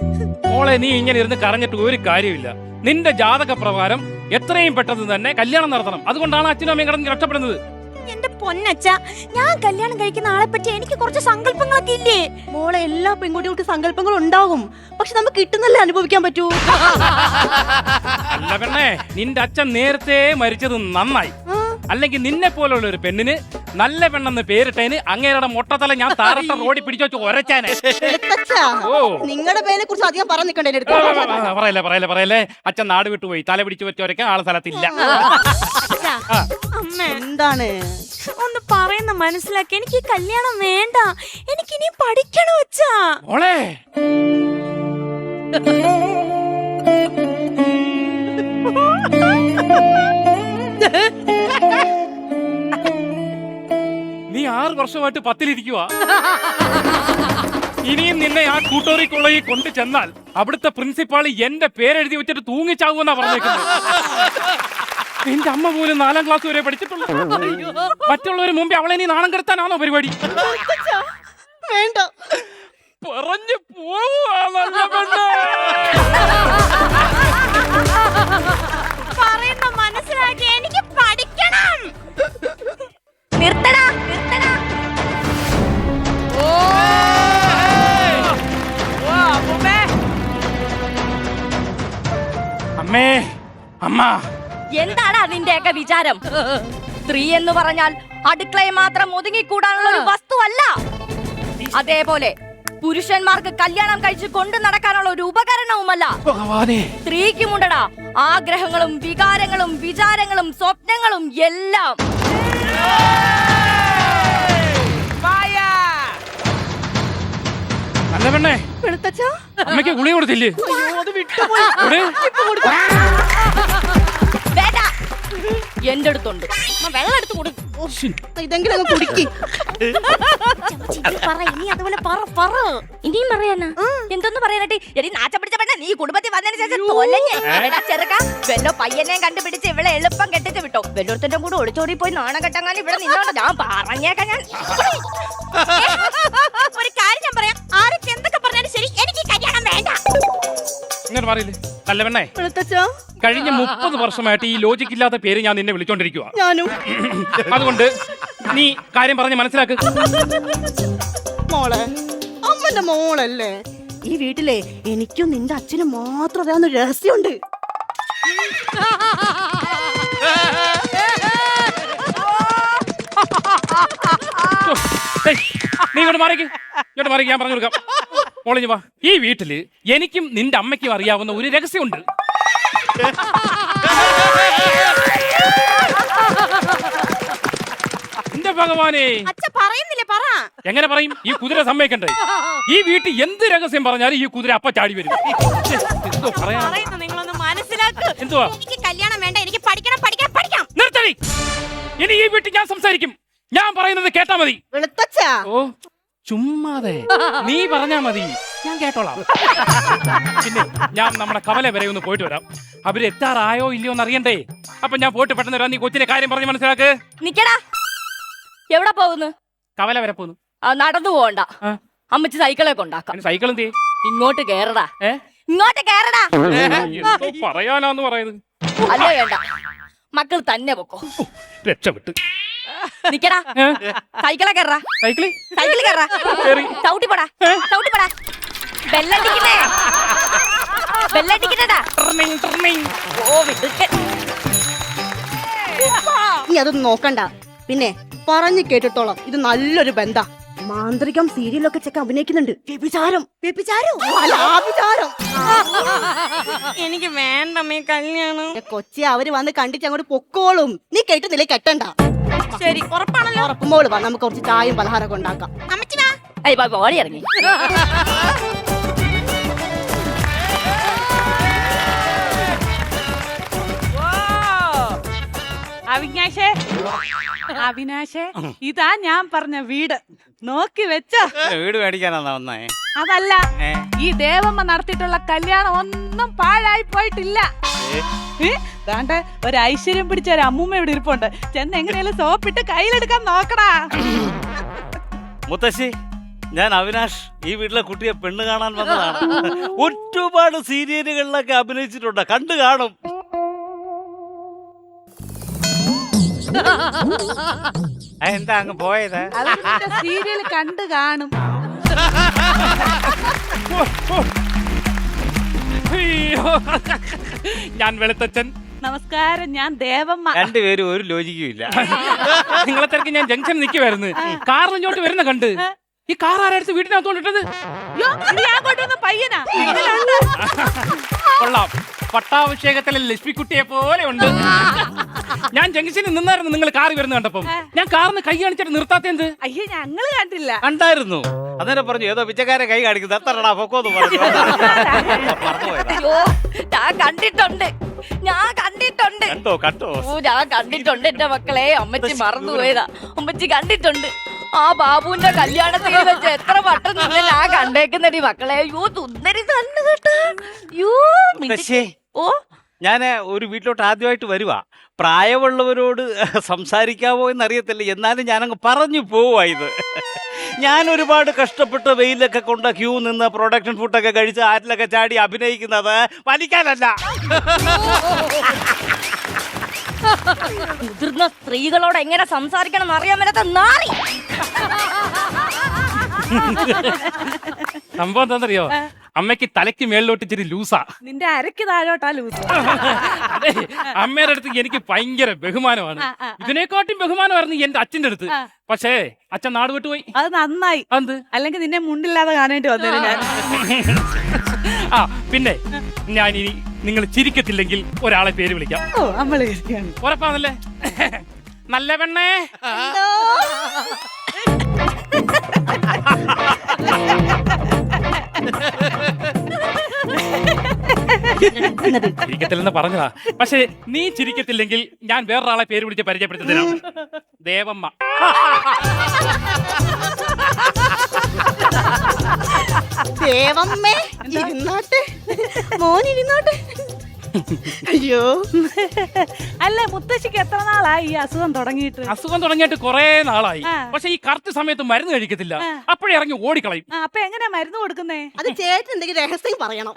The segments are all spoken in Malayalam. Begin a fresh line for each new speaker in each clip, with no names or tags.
മോളെ നീ ഇങ്ങനെ ഇരുന്ന് കരഞ്ഞിട്ട് ഒരു കാര്യമില്ല. നിന്റെ ജാതക പ്രകാരം എത്രയും പെട്ടെന്ന് തന്നെ കല്യാണം നടത്തണം. അതുകൊണ്ടാണ് അച്ഛനും അമ്മയും കിടന്ന് രക്ഷപ്പെടുന്നത്.
എന്റെ പൊന്നച്ച, ഞാൻ കല്യാണം കഴിക്കുന്ന ആളെ പറ്റി എനിക്ക് കുറച്ച് സങ്കല്പങ്ങളൊക്കെ ഇല്ലേ?
മോളെ, എല്ലാ പെൺകുട്ടികൾക്ക് സങ്കല്പങ്ങൾ ഉണ്ടാകും, പക്ഷെ നമുക്ക് കിട്ടുന്നല്ലേ അനുഭവിക്കാൻ പറ്റൂ.
അല്ല പെണ്ണേ, നിന്റെ അച്ഛൻ നേരത്തെ മരിച്ചത് നന്നായി. അല്ലെങ്കിൽ നിന്നെ പോലുള്ള ഒരു പെണ്ണിന് നല്ല പെണ്ണെന്ന് പേരിട്ടതിന് അങ്ങേരുടെ മൊട്ടത്തല ഞാൻ താരട്ട റോഡിൽ പിടിച്ചു വെച്ച് ഒരച്ചാനെ.
നിങ്ങളുടെ പേരെ കുറിച്ച് അധികം പറഞ്ഞു നിൽക്കണ്ടേ?
പറയല്ലേ. അച്ഛൻ നാട് വിട്ടുപോയി. തല പിടിച്ചു വെച്ച് ഒരക്കാൻ ആളെ സ്ഥലത്തില്ല.
എന്താണ്
ഒന്ന് പറയുന്ന മനസ്സിലാക്കി. എനിക്ക് കല്യാണം വേണ്ട, എനിക്കിനി പഠിക്കണം അച്ഛാ.
മോളെ നീ 6 വർഷമായിട്ട് 10-ലിരിക്കുക. ഇനിയും നിന്നെ ആ കൂട്ടോറി കോളേജിൽ കൊണ്ടു ചെന്നാൽ അവിടുത്തെ പ്രിൻസിപ്പാൾ എന്റെ പേരെഴുതി വെച്ചിട്ട് തൂങ്ങിച്ചാകുമെന്നാ പറഞ്ഞേക്കുന്നത്. എന്റെ അമ്മ പോലും 4ാം ക്ലാസ് വരെ പഠിച്ചിട്ടുള്ളൂ. മറ്റുള്ളവര് മുമ്പേ അവളെ നീ നാണം കെടുത്താനാണോ പരിപാടി?
വേണ്ട,
പറഞ്ഞു പോവുക.
പറയുന്ന മനസ്സിലാക്കി. എനിക്ക് പഠിക്കണം. നിർത്തടാ.
അമ്മേ, അമ്മ,
എന്താണ് അതിന്റെയൊക്കെ വിചാരം? സ്ത്രീ എന്ന് പറഞ്ഞാൽ അടുക്കളയെ മാത്രം ഒതുങ്ങിക്കൂടാനുള്ള ഒരു വസ്തുവല്ല. അതേപോലെ പുരുഷന്മാർക്ക് കല്യാണം കഴിച്ച് കൊണ്ടു നടക്കാനുള്ള ഒരു ഉപകരണവുമല്ല. സ്ത്രീക്കുമുണ്ടടാ ആഗ്രഹങ്ങളും വികാരങ്ങളും വിചാരങ്ങളും സ്വപ്നങ്ങളും എല്ലാം.
നല്ല പെണ്ണേ, അമ്മയ്ക്ക് ഗുളി കൊടുത്തില്ലേ?
എന്റെ അടുത്തുണ്ട്, വെള്ളം എടുത്ത് കൊടുക്കും.
ഇതെങ്കിലും അങ്ങ് കുടിക്ക്.
ഇനി അതുപോലെ പറ.
ഇനിയും പറയാനാ? എന്തൊന്നും പറയാനായിട്ട്? എടി നാച്ച പിടിച്ച പെണ്ണ, നീ കുടുംബത്തിൽ വന്നതിന് ശേഷം തൊലഞ്ഞ് ചെറുക്ക വെല്ലോ പയ്യനെയും കണ്ടുപിടിച്ച് ഇവളെ എളുപ്പം കെട്ടിച്ച് വിട്ടോ. വെല്ലോടത്തിന്റെ കൂടെ ഒളിച്ചോടി പോയി നാണം കെട്ടങ്ങാൻ ഇവിടെ നിന്നോണ്ട് ഞാൻ പറഞ്ഞേക്കാം. ഞാൻ
ഒരു കാര്യം ഞാൻ പറയാം. ആരൊക്കെ എന്തൊക്കെ പറഞ്ഞാലും ശരി, എനിക്ക് കല്യാണം വേണ്ട.
ഇങ്ങനെ പറയില്ലേ? നല്ല പെണ്ണേ, കഴിഞ്ഞ 30 വർഷമായിട്ട് ഈ ലോജിക് ഇല്ലാത്ത പേര് ഞാൻ നിന്നെ വിളിച്ചോണ്ടിരിക്കുക.
ഞാനും.
അതുകൊണ്ട് നീ കാര്യം പറഞ്ഞ് മനസ്സിലാക്ക്.
മോളെ, അമ്മന്റെ മോളല്ലേ ഈ വീട്ടിലെ? എനിക്കും നിന്റെ അച്ഛനും മാത്രം അറിയാവുന്ന രഹസ്യമുണ്ട്.
നീ ഇങ്ങോട്ട് മാറിക്ക്, ഞാൻ പറഞ്ഞു കൊടുക്കാം. മോളിഞ്ഞു വാ. ഈ വീട്ടില് എനിക്കും നിന്റെ അമ്മയ്ക്കും അറിയാവുന്ന ഒരു രഹസ്യമുണ്ട്. എന്റെ ഭഗവാനെ,
അച്ഛ പറയുന്നില്ലേ? പറ.
എങ്ങനെ പറയും? ഈ കുതിര സമ്മതിക്കണ്ടേ? ഈ വീട്ടിൽ എന്ത് രഹസ്യം പറഞ്ഞാലും ഈ കുതിര അപ്പ ചാടി വരും. എന്തോ പറയാ?
നിങ്ങളൊന്ന് മനസ്സിലാക്ക്.
എന്തുവാ?
എനിക്ക് കല്യാണം വേണ്ട, എനിക്ക് പഠിക്കണം.
നിർത്തടി. ഇനി ഈ വീട്ടിൽ ഞാൻ സംസാരിക്കും. ഞാൻ പറയുന്നത് കേട്ടാ മതി. ഓ, ചുമ്മാതെ നീ പറഞ്ഞാ മതി, ഞാൻ കേട്ടോളാം. പിന്നെ ഞാൻ നമ്മുടെ കവല വരെ ഒന്ന് പോയിട്ട് വരാം. അവര് എത്താറായോ ഇല്ലയോ എന്ന് അറിയണ്ടേ? അപ്പൊ ഞാൻ പോയിട്ട് പെട്ടെന്ന് വരാം. നീ കൊച്ചിന്റെ കാര്യം പറഞ്ഞ് മനസ്സിലാക്ക്.
നിക്കടാ. എവിടെ പോകുന്നു?
കവല വരെ പോകുന്നു.
നടന്നു പോകണ്ട, അമ്മച്ചി സൈക്കിളൊക്കെ ഉണ്ടാക്കാം.
സൈക്കിൾ എന്ത്?
ഇങ്ങോട്ട് കേറടാ. ഇങ്ങോട്ട് കേറടാ.
എന്തോ പറയാനാന്ന് പറയുന്നത്.
അല്ലേ വേണ്ട, മക്കൾ തന്നെ പൊക്കോ.
രക്ഷപ്പെട്ട്
നിക്കടാ. സൈക്കിളെ കേറാ. സൈക്കിൾ കേറാ. ചവിട്ടിപ്പടാ. ബെല്ലടിക്കുന്നേടാ. ഓ വിടുക്കൻ.
നീ അതൊന്നും നോക്കണ്ട. പിന്നെ പറഞ്ഞു കേട്ടിട്ടോളാം, ഇത് നല്ലൊരു ബന്ധ. മാന്ത്രികം സീരിയലൊക്കെ ചെക്ക അഭിനയിക്കുന്നുണ്ട്. വ്യഭിചാരം.
എനിക്ക് വേണ്ടമ്മേ കല്യാണം.
കൊച്ചി അവര് വന്ന് കണ്ടിട്ട് അങ്ങോട്ട് പൊക്കോളും. നീ കേട്ടുന്നില്ലേ? കെട്ടണ്ട.
ശരി, ഉറപ്പാണല്ലോ?
ഉറപ്പുമ്പോൾ വാ, നമുക്ക് കുറച്ച് ചായയും പലഹാരമൊക്കെ ഉണ്ടാക്കാം.
അമ്മച്ചി വാ.
ഓടി ഇറങ്ങി.
അവിനാശേ, ഇതാ ഞാൻ പറഞ്ഞ വീട്. നോക്കി വെച്ച
വീട് മേടിക്കാനാ വന്നേ?
അതല്ല, ഈ ദേവമ്മ നടത്തിയിട്ടുള്ള കല്യാണം ഒന്നും പാഴായി പോയിട്ടില്ല. ദാണ്ടെ ഒരു ഐശ്വര്യം പിടിച്ച ഒരു അമ്മൂമ്മ ഇവിടെ ഇരിപ്പുണ്ട്. ചെന്ന് എങ്ങനെയാലും സോപ്പിട്ട് കയ്യിലെടുക്കാൻ നോക്കടാ.
മുത്തശ്ശി, ഞാൻ അവിനാഷ്, ഈ വീട്ടിലെ കുട്ടിയെ പെണ്ണ് കാണാൻ വന്നതാണ്. ഒരുപാട് സീരിയലുകളിലൊക്കെ അഭിനയിച്ചിട്ടുണ്ട്, കണ്ടു കാണും. എന്താ അങ്ങ് പോയത്?
സീരിയൽ കണ്ടു കാണും.
അയ്യോ. ഞാൻ വെളുത്തച്ഛൻ.
നമസ്കാരം, ഞാൻ ദേവമ്മ.
രണ്ടുപേരും ഒരു ലോജിക്കും ഇല്ല.
നിങ്ങളെ തിരക്ക് ഞാൻ ജംഗ്ഷൻ നിൽക്കുമായിരുന്നു. കാറിൽ ഇങ്ങോട്ട് വരുന്ന കണ്ട് ഈ കാർ ആരടുത്ത് വീട്ടിനകത്തോണ്ടിട്ടത്?
യ്യോ, ഇത് ഞാൻ കൊണ്ടുവന്ന പയ്യനാ.
കൊള്ളാം, പട്ടാഭിഷേകത്തിലെ ലക്ഷ്മിക്കുട്ടിയെ പോലെ ഉണ്ട്. ഞാൻ ജംഗ്ഷനിൽ നിന്നായിരുന്നു നിങ്ങൾ കാറി വരുന്ന കണ്ടപ്പം. ഞാൻ കാറിന് കൈ കാണിച്ചിട്ട് നിർത്താത്തെന്ത്?
അയ്യോ, ഞങ്ങള് കണ്ടില്ല.
കണ്ടായിരുന്നു. അന്നേരം പറഞ്ഞു ഏതോ പിച്ചക്കാരെ കൈ കാണിക്കുന്നത്, എത്രടാ പൊക്കോന്ന് പറഞ്ഞു.
അയ്യോ, ഞാൻ കണ്ടിട്ടുണ്ട്.
കണ്ടോ
ഓ, ഞാൻ കണ്ടിട്ടുണ്ട് എന്റെ മക്കളെ. അമ്മച്ചി മറന്നുപോയതാ. അമ്മച്ചി കണ്ടിട്ടുണ്ട്. ആ ബാബുവിന്റെ കല്യാണത്തിൽ വെച്ച് എത്ര വട്ടം നിന്ന് ഞാൻ കണ്ടേക്കുന്നടി മക്കളെ. അയ്യോ, തുന്നരി തന്നെ കേട്ടാ. അയ്യോ,
പക്ഷേ
ഓ,
ഞാൻ ഒരു വീട്ടിലോട്ട് ആദ്യമായിട്ട് വരുവാ. പ്രായമുള്ളവരോട് സംസാരിക്കാവോ എന്നറിയത്തില്ല, എന്നാലും ഞാനങ്ങ് പറഞ്ഞു പോവാ. ഇത് ഞാൻ ഒരുപാട് കഷ്ടപ്പെട്ട് വെയിലൊക്കെ കൊണ്ട് ക്യൂ നിന്ന് പ്രൊഡക്ഷൻ ഫുഡൊക്കെ കഴിച്ച് ആറ്റിലൊക്കെ ചാടി അഭിനയിക്കുന്നത് വലിക്കാനല്ല.
മുതിർന്ന സ്ത്രീകളോട് എങ്ങനെ സംസാരിക്കണം എന്ന് അറിയാൻ മേലാത്ത നാറി.
സംഭവം എന്താണെന്നറിയോ? അമ്മയ്ക്ക് തലയ്ക്ക് മേളിലോട്ട് ഇച്ചിരി ലൂസാ.
നിന്റെ അരക്ക് താഴോട്ടാ ലൂസ്.
അതെ, അമ്മയുടെ അടുത്ത് എനിക്ക് ഭയങ്കര ബഹുമാനമാണ്. ഇതിനെക്കാട്ടും ബഹുമാനമായിരുന്നു എന്റെ അച്ഛന്റെ അടുത്ത്. പക്ഷേ അച്ഛൻ നാട് വിട്ടുപോയി.
അത് നന്നായി.
എന്ത്?
അല്ലെങ്കിൽ നിന്നെ മുണ്ടില്ലാതെ കാണേണ്ടി വന്നേനെ ഞാൻ.
ആ പിന്നെ ഞാൻ ഇനി നിങ്ങൾ ചിരിക്കത്തില്ലെങ്കിൽ ഒരാളെ പേര് വിളിക്കാം.
ഓ, അമ്മള് ശരിയാണ്.
ഉറപ്പാണല്ലേ? നല്ല പെണ്ണേ. ചിരിക്കത്തില്ലെന്ന് പറഞ്ഞതാ. പക്ഷെ നീ ചിരിക്കത്തില്ലെങ്കിൽ ഞാൻ വേറൊരാളെ പേര് വിളിച്ച് പരിചയപ്പെടുത്തുന്നതിനാണ്. ദേവമ്മ.
ദേവമ്മേ, ഇരുന്നോട്ടെ മോൻ, ഇരുന്നോട്ടെ. അയ്യോ,
അല്ല, മുത്തശ്ശിക്ക് എത്ര നാളായി ഈ അസുഖം തുടങ്ങിയിട്ട്?
അസുഖം തുടങ്ങിയിട്ട് കുറെ നാളായി. പക്ഷെ ഈ കറക്റ്റ് സമയത്ത് മരുന്ന് കഴിക്കത്തില്ല. അപ്പോഴേ ഇറങ്ങി ഓടിക്കളയും.
അപ്പൊ എങ്ങനെയാ മരുന്ന് കൊടുക്കുന്നേ?
അത് ചേട്ടൻ എന്തെങ്കിലും രഹസ്യം പറയണം.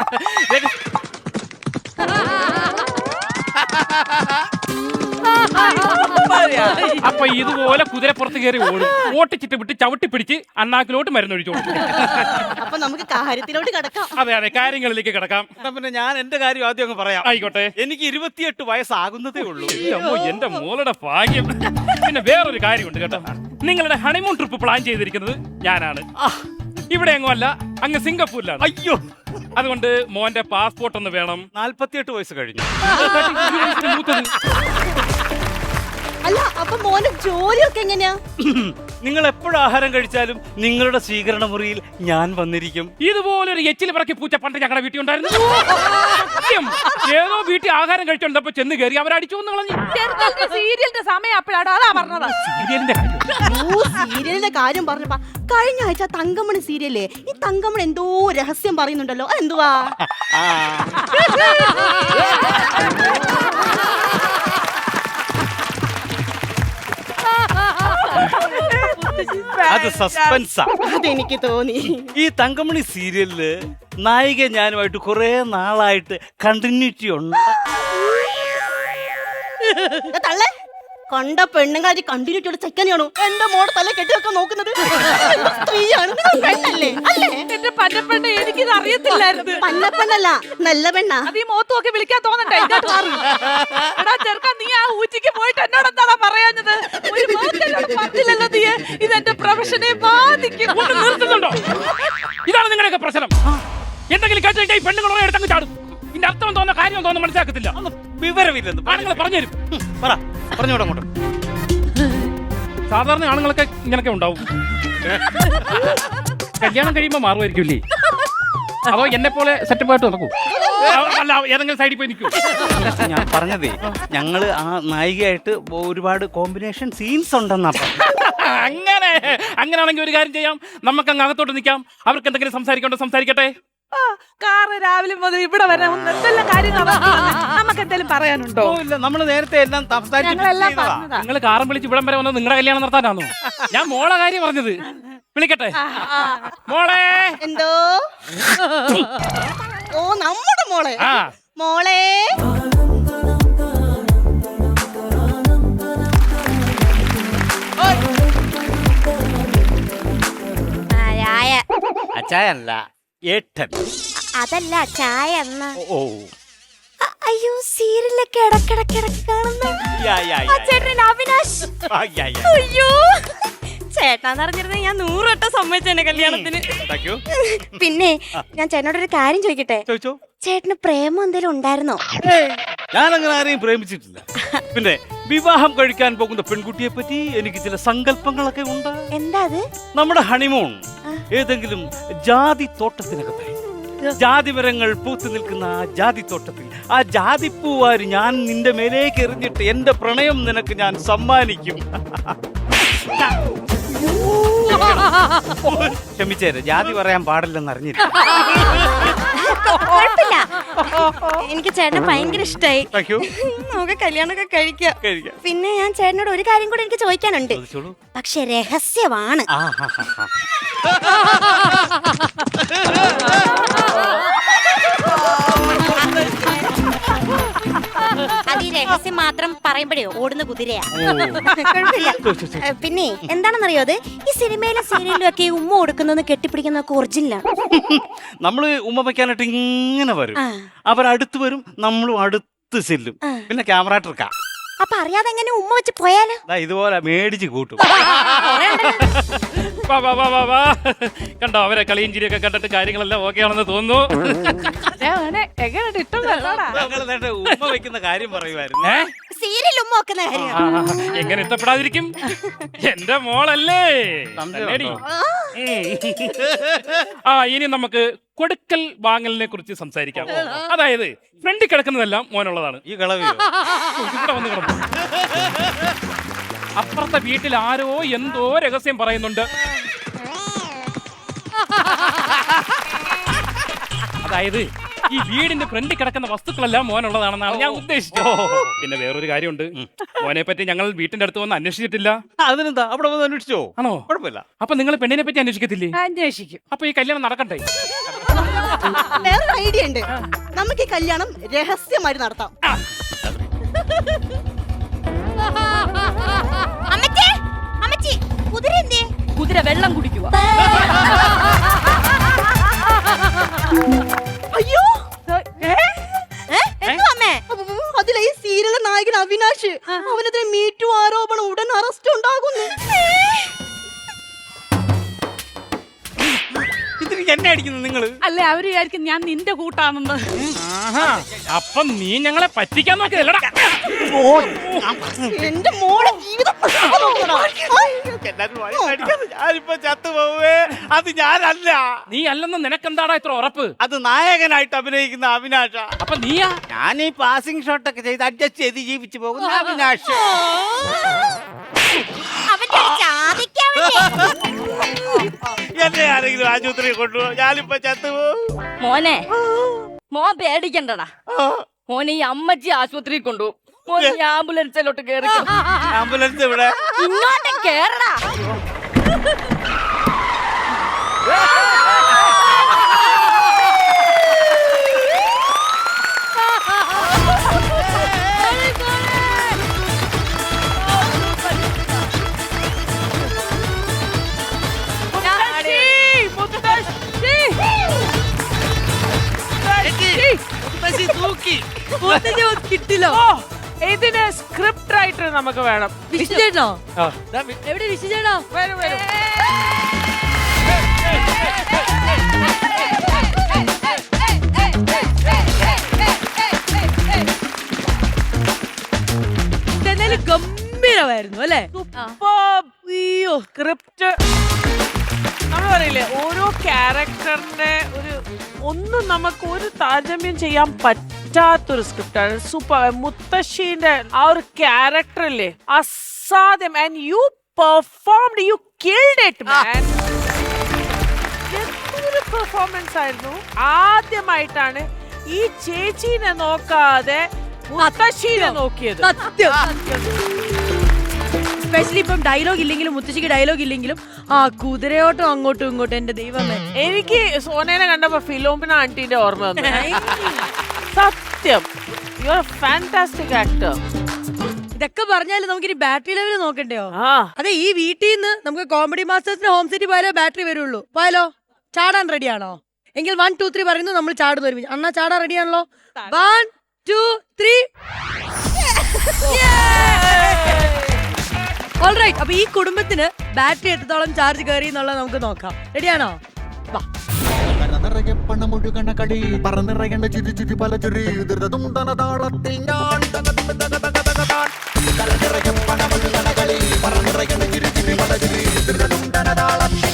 അപ്പൊ ഇതുപോലെ കുതിരപ്പുറത്ത് കയറി ഓടും. ഓട്ടിച്ചിട്ട് വിട്ട് ചവിട്ടി പിടിച്ച് അണ്ണാക്കിലോട്ട് മരുന്നൊഴിച്ചു കൊടുക്കും.
അപ്പൊ നമുക്ക് കാര്യത്തിലോട്ട് കിടക്കാം.
അതെ അതെ, കാര്യങ്ങളിലേക്ക് കിടക്കാം.
പിന്നെ ഞാൻ എന്റെ കാര്യം ആദ്യം അങ്ങ് പറയാം.
ആയിക്കോട്ടെ.
എനിക്ക് 28 വയസ്സാകുന്നതേ ഉള്ളൂ.
അമ്മോ, എന്റെ മോളുടെ ഭാഗ്യം. പിന്നെ വേറൊരു കാര്യമുണ്ട് കേട്ടോ. നിങ്ങളുടെ ഹണിമൂൺ ട്രിപ്പ് പ്ലാൻ ചെയ്തിരിക്കുന്നത് ഞാനാണ്. ഇവിടെ എങ്ങും അല്ല, അങ്ങ് സിംഗപ്പൂരിലാണ്.
അയ്യോ,
അതുകൊണ്ട് മോന്റെ പാസ്പോർട്ട് ഒന്ന് വേണം.
48 വയസ്സ് കഴിഞ്ഞു.
മൂത്തത്.
അല്ല, അപ്പൊ മോന്റെ ജോലിയൊക്കെ എങ്ങനെയാ?
നിങ്ങൾ എപ്പോഴും ആഹാരം കഴിച്ചാലും നിങ്ങളുടെ സ്വീകരണ മുറിയിൽ ഞാൻ വന്നിരിക്കും.
ഇതുപോലൊരു എച്ചിൽ പിറക്കി പൂച്ച പണ്ട് ഞങ്ങളുടെ വീട്ടിൽ ഉണ്ടായിരുന്നു. സത്യം. ഏതോ വീട്ടിൽ ആഹാരം കഴിച്ചോണ്ടപ്പോ ചെന്ന് കയറി അവരടിച്ചു എന്ന് കളഞ്ഞു.
സീരിയലിന്റെ സമയം അപ്പോഴാണ് അതാ പറഞ്ഞത്.
സീരിയലിന്റെ കാര്യം.
സീരിയലിന്റെ കാര്യം പറഞ്ഞപ്പോ കഴിഞ്ഞ ആഴ്ച തങ്കമണി സീരിയലേ, ഈ തങ്കമണി എന്തോ രഹസ്യം പറയുന്നുണ്ടല്ലോ, അതെന്തുവാ?
അത് സസ്പെൻസാ.
അതെനിക്ക് തോന്നി.
ഈ തങ്കമണി സീരിയലില് നായിക ഞാനുമായിട്ട് കുറെ നാളായിട്ട് കണ്ടിന്യൂറ്റി ഉണ്ട്.
തള്ളേ, കണ്ട പെണ്ണുങ്ങൾ കണ്ടിന്യൂറ്റിയുള്ള ചെക്കനെയാണോ എന്റെ മോടെ തല കെട്ടിവെക്കാൻ നോക്കുന്നത്? സ്ത്രീയാണ്, പെണ്ണല്ലേ? അല്ലേ?
എന്റെ പന്നപ്പെണ്ണ, എനിക്കിത് അറിയത്തില്ലായിരുന്നു.
പന്നപ്പെണ്ണല്ല, നല്ല പെണ്ണാ.
അത് ഈ മോത്ത് നോക്കി വിളിക്കാൻ തോന്നണ്ടേ? ഇങ്ങോട്ട് മാറ്. എടാ ചെറുക്കാ, നീ ആ ഊച്ചിക്ക് പോയിട്ട് എന്നോട് എന്താടാ പറയാഞ്ഞത്? ഒരു മോത്തെന്നോട് പറഞ്ഞില്ലല്ലോ നീ. ഇതെന്റെ പ്രൊഫഷനെ ബാധിക്കും.
ഒന്ന് നിർത്തുന്നുണ്ടോ? ഇതാണ് നിങ്ങളുടെയൊക്കെ പ്രശ്നം. എന്തെങ്കിലും കേട്ടിട്ട് ഈ പെണ്ണുങ്ങളെ എടുത്തങ്ങ് ചാടും. ഇതിന്റെ അർത്ഥം തോന്നുന്ന കാര്യം തോന്നുന്നു മനസ്സിലാക്കത്തില്ല.
വിവരമില്ലെന്ന്
ആണുങ്ങൾ പറഞ്ഞുതരും.
പറഞ്ഞോട് അങ്ങോട്ട്.
സാധാരണ ആണുങ്ങളൊക്കെ ഇങ്ങനൊക്കെ ഉണ്ടാവും. കല്യാണം കഴിയുമ്പോ മാറുമായിരിക്കില്ലേ? അതോ എന്നെ പോലെ സെറ്റപ്പ് ആയിട്ട് നടക്കൂ? അല്ല, ഏതെങ്കിലും സൈഡിൽ പോയി നിൽക്കൂ.
ഞാൻ പറഞ്ഞതേ, ഞങ്ങള് ആ നായികയായിട്ട് ഒരുപാട് കോമ്പിനേഷൻ സീൻസ് ഉണ്ടെന്നാ.
അങ്ങനെയാണെങ്കിൽ ഒരു കാര്യം ചെയ്യാം, നമുക്ക് അങ്ങ് അകത്തോട്ട് നിൽക്കാം. അവർക്ക് എന്തെങ്കിലും സംസാരിക്കണ്ടോ സംസാരിക്കട്ടെ.
കാറ് രാവിലെ മുതൽ ഇവിടെ വരെ എന്തെല്ലാം കാര്യങ്ങൾ നമുക്ക് എന്തെങ്കിലും പറയാനുണ്ടോ?
ഓ ഇല്ല, നമ്മൾ നേരത്തെ എല്ലാം
ഞങ്ങളെല്ലാം
സംസാരിച്ചു
പറഞ്ഞതാ.
നിങ്ങൾ കാറും വിളിച്ച് ഇവിടം വരെ വന്നത് നിങ്ങളുടെ കല്യാണം നടത്താനാണോ? ഞാൻ മോളെ കാര്യം പറഞ്ഞത്. വിളിക്കട്ടെ മോളെ.
എന്തോ ഓ നമ്മുടെ മോളെ
ആ
മോളെ
ചായ
അച്ചായല്ല ഏട്ടൻ.
അതല്ല ചായ എന്നാ.
ഓ
അയ്യോ സീരിയലൊക്കെ ഇടക്കിടക്കിടക്ക് കാണുന്ന
യാ, യാ,
ആ
യാ,
ചേട്ടൻ അവിനാശ്.
ആ, യാ, യാ.
അയ്യോ ചേട്ടാന്ന് അറിഞ്ഞിരുന്ന ഞാൻ 100 വട്ടം സമ്മതിച്ചെന്നെ കല്യാണത്തിന്.
Thank you.
പിന്നെ ഞാൻ ചേട്ടനോട് ഒരു കാര്യം ചോദിക്കട്ടെ?
ചോദിച്ചോ.
ചേട്ടന് പ്രേമം എന്തെങ്കിലും ഉണ്ടായിരുന്നോ?
ഞാൻ അങ്ങനെ ആരെയും പ്രേമിച്ചിട്ടില്ല. പിന്നെ വിവാഹം കഴിക്കാൻ പോകുന്ന പെൺകുട്ടിയെ പറ്റി എനിക്ക് ചില സങ്കല്പങ്ങളൊക്കെ ഉണ്ട്.
എന്താ അത്?
നമ്മുടെ ഹണിമൂൺ ഏതെങ്കിലും ജാതി തോട്ടത്തിനകത്തായി, ജാതി മരങ്ങൾ പൂത്തു നിൽക്കുന്ന ആ ജാതി തോട്ടത്തിൽ ആ ജാതിപ്പൂവാരി ഞാൻ നിന്റെ മേലേക്ക് എറിഞ്ഞിട്ട് എന്റെ പ്രണയം നിനക്ക് ഞാൻ സമ്മാനിക്കും. ക്ഷമിച്ചേരെ, ജാതി പറയാൻ പാടില്ലെന്ന് അറിഞ്ഞില്ല.
കുഴപ്പമില്ല, എനിക്ക് ചേട്ടനെ ഭയങ്കര ഇഷ്ടായി.
Thank you.
നമുക്ക് കല്യാണമൊക്കെ കഴിക്കാം.
കഴിക്കാം.
പിന്നെ ഞാൻ ചേട്ടനോട് ഒരു കാര്യം കൂടെ എനിക്ക് ചോദിക്കാനുണ്ട്,
ചോദിച്ചോളൂ.
പക്ഷെ രഹസ്യമാണ്.
ആ, ഹാ, ഹാ, ഹാ.
അത് ഈ രഹസ്യം മാത്രം പറയുമ്പോഴേ ഓടുന്ന കുതിരയാ.
ഓ.
കുഴപ്പമില്ല. പിന്നെ എന്താണെന്നറിയോ, അത് ഈ സിനിമയിലും സീരിയലിലും ഒക്കെ ഈ ഉമ്മ കൊടുക്കുന്നത് കെട്ടിപ്പിടിക്കുന്നതൊക്കെ ഒറിജിനലാണ്.
നമ്മള് ഉമ്മ വയ്ക്കാനായിട്ട് ഇങ്ങനെ വരും, അവരടുത്ത് വരും, നമ്മളും അടുത്ത് ചെല്ലും. പിന്നെ ക്യാമറ ട്രിക്കാ.
അപ്പൊ അറിയാതെ എങ്ങനെ ഉമ്മ വെച്ച് പോയാലോ?
ഇതുപോലെ മേടിച്ച് കൂട്ടും.
വാ, വാ, വാ, വാ, വാ. കണ്ടോ, അവരെ കളിയും ചിരിയൊക്കെ കണ്ടിട്ട് കാര്യങ്ങളെല്ലാം ഓക്കെ ആണെന്ന് തോന്നുന്നു.
എങ്ങനെയുണ്ട്? ഇഷ്ടം കണ്ടോടാ?
ഞങ്ങൾ നേരത്തെ ഉമ്മ വെക്കുന്ന കാര്യം പറയുമായിരുന്നു.
ഏ?
സീരിയൽ ഉമ്മ വെക്കുന്ന കാര്യം.
എങ്ങനെ ഇഷ്ടപ്പെടാതിരിക്കും? എന്റെ മോളല്ലേ.
സംശയം
തന്നെടി.
ഉണ്ടോ?
ആ ഇനി നമുക്ക് കൊടുക്കൽ വാങ്ങലിനെ കുറിച്ച് സംസാരിക്കാം. അതായത് ഫ്രണ്ടിൽ കിടക്കുന്നതെല്ലാം മോനുള്ളതാണ്.
ഈ കളവിയോ?
ഇവിടെ വന്ന് കിടന്നു. അപ്പുറത്തെ വീട്ടിൽ ആരോ എന്തോ രഹസ്യം പറയുന്നുണ്ട്. അതായത് ഈ വീടിന്റെ ഫ്രണ്ടിൽ കിടക്കുന്ന വസ്തുക്കളെല്ലാം മോനുള്ളതാണെന്നാണ് ഞാൻ ഉദ്ദേശിച്ചത്. പിന്നെ വേറൊരു കാര്യമുണ്ട്, മോനെ പറ്റി ഞങ്ങൾ വീട്ടിന്റെ അടുത്ത് വന്ന് അന്വേഷിച്ചിട്ടില്ല.
അതിനെന്താ, അവിടെ വന്ന് അന്വേഷിച്ചോ?
ആണോ?
കുഴപ്പമില്ല.
അപ്പൊ നിങ്ങൾ പെണ്ണിനെ പറ്റി അന്വേഷിക്കത്തില്ലേ?
അന്വേഷിക്കും.
അപ്പൊ ഈ കല്യാണം നടക്കട്ടെ?
വേറൊരു ഐഡിയ ഉണ്ട്, നമുക്ക് ഈ കല്യാണം രഹസ്യമായി നടത്താം.
അമ്മച്ചി, അമ്മച്ചി, കുതിര എന്തേ?
കുതിര വെള്ളം കുടിക്കുക.
അയ്യോ
എന്തോ അമ്മേ?
അതിലെ ഈ സീരിയലിലെ നായകൻ അവിനാശ്, അവനെതിരെ മീറ്റു ആരോപണം, ഉടൻ അറസ്റ്റ് ഉണ്ടാകുന്നു.
ഇതിന് എന്നെ അടിക്കുന്നു നിങ്ങള്?
അല്ലെ, അവര് വിചാരിക്കും ഞാൻ നിന്റെ കൂട്ടാണെന്ന്.
അപ്പൊ നീ ഞങ്ങളെ പറ്റിക്കാൻ നോക്കിയതല്ലടാ.
എന്റെ മോളെ ജീവിതം
ഞാനിപ്പോ ചത്തുപോവേ. അത് ഞാനല്ല.
നീ അല്ലെന്ന് നിനക്കെന്താടാ ഇത്ര ഉറപ്പ്?
അത് നായകനായിട്ട് അഭിനയിക്കുന്ന അവിനാശ.
അപ്പൊ നീയാ?
ഞാൻ ഈ പാസിംഗ് ഷോട്ട് ഒക്കെ ചെയ്ത് അഡ്ജസ്റ്റ് ചെയ്ത് ജീവിച്ചു പോകുന്ന അവിനാശ്.
അവന്റെ ഒരു ജാതിക്കാ വേണ്ടി.
എന്നെ ആരെങ്കിലും ആശുപത്രിയിൽ കൊണ്ടുപോകും, ഞാനിപ്പോ ചത്തുപോകും.
മോനെ, മോൻ പേടിക്കണ്ടടാ. മോനെ ഈ അമ്മച്ചി ആശുപത്രിയിൽ കൊണ്ടുപോകും. മോൻ ഈ ആംബുലൻസിലോട്ട് കേറി.
ആംബുലൻസ് ഇവിടെ.
ഇങ്ങോട്ട് കേറടാ.
കിട്ടില്ലോ. ഇതിന് സ്ക്രിപ്റ്റ് റൈറ്റർ നമുക്ക് വേണം.
വിശുചേട്ടനോ?
ആ.
എവിടെ വിശുചേട്ടാ?
വരും വരും.
ഇതെന്തായാലും ഗംഭീരമായിരുന്നു അല്ലേ?
അയ്യോ, സ്ക്രിപ്റ്റ് നമ്മൾ പറയില്ലേ, ഓരോ ക്യാരക്ടറിന്റെ ഒന്നും നമുക്ക് ഒരു താരതമ്യം ചെയ്യാൻ പറ്റാത്തൊരു സ്ക്രിപ്റ്റാണ്. സൂപ്പർ. മുത്തശ്ശീന്റെ ആ ഒരു ക്യാരക്ടറില്ലേ, അസാധ്യം. And you performed, you killed it man. എന്തൊരു പെർഫോമൻസ് ആയിരുന്നു. ആദ്യമായിട്ടാണ് ഈ ചേച്ചീനെ നോക്കാതെ മുത്തശ്ശീനെ നോക്കിയത്.
സ്പെഷ്യലി ഇപ്പം ഡയലോഗ് ഇല്ലെങ്കിലും മുത്തശ്ശിക്ക് ഡയലോഗ് ഇല്ലെങ്കിലും ആ കുതിരയോട്ടം അങ്ങോട്ടും ഇങ്ങോട്ടും എന്റെ ദൈവമേ.
എനിക്ക് സോനേനെ കണ്ടപ്പോ ഫിലോമിന ആന്റിന്റെ ഓർമ്മ വന്നു. സത്യം, യു ആർ ഫാന്റാസ്റ്റിക് ആക്ടർ.
ഇതൊക്കെ പറഞ്ഞാലും നമുക്കിനി ബാറ്ററി ലെവൽ നോക്കണ്ടയോ?
ആ
അതെ, ഈ വീട്ടിൽ നിന്ന് നമുക്ക് കോമഡി മാസ്റ്റേഴ്സിന് ഹോം സിറ്റി പോയാലോ ബാറ്ററി വരുള്ളൂ. പോയാലോ? ചാടാൻ റെഡിയാണോ? എങ്കിൽ 1 2 3 പറയുന്നു, നമ്മൾ ചാടുന്നു ഒരുമിച്ച്. അണ്ണാ ചാടാൻ റെഡിയാണല്ലോ? 1 2 3. ഓൾറൈറ്റ്, അപ്പൊ ഈ കുടുംബത്തിന് ബാറ്ററി എത്രത്തോളം ചാർജ് കയറി എന്നുള്ളത് നമുക്ക് നോക്കാം. റെഡിയാണോ? വാ.
നിറയെ പണമൊഴുകണ കളി പറന്നിറയേണ്ട ചുരി ചുരി പല ചുരി ധൃതതുണ്ടന താളത്തിൽ ഞാൻ നിറയെ പണമൊഴുകണ കളി പറന്നിറയേണ്ട ചുരി ചുരി പല ചുരി ധൃതതുണ്ടന താളത്തിൽ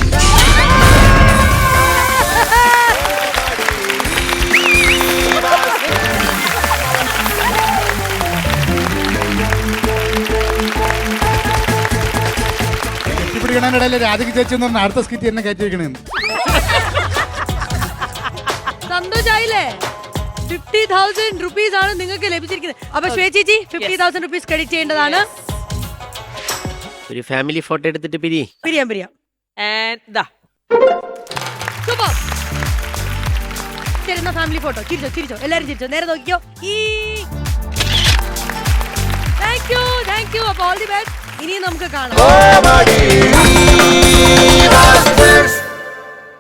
കെട്ടിപ്പിടിക്കണതിനിടയിൽ രാധിക ചേച്ചി എന്ന് പറഞ്ഞ അടുത്ത സ്കിറ്റ് എന്നെ കയറ്റിയിരിക്കണേന്ന്.
സന്തോഷായില്ലേ? 50,000 റുപ്പീസ് ആണ് നിങ്ങൾക്ക് ലഭിച്ചിരിക്കുന്നത്. അപ്പൊ ശ്വേചേച്ചി 50,000 റുപ്പീസ് ക്രെഡിറ്റ് ചെയ്യേണ്ടതാണ്.
ഒരു ഫാമിലി ഫോട്ടോ എടുത്തിട്ട്
പിരിയാം. സൂപ്പർ. ശരി, എന്നാ ഫാമിലി ഫോട്ടോ. ചിരിച്ചോ, എല്ലാരും ചിരിച്ചോ, നേരെ നോക്കിക്കോ. Thank you. അപ്പൊ ഓൾ ദി ബെസ്റ്റ്. ഇനിയും നമുക്ക് കാണാം.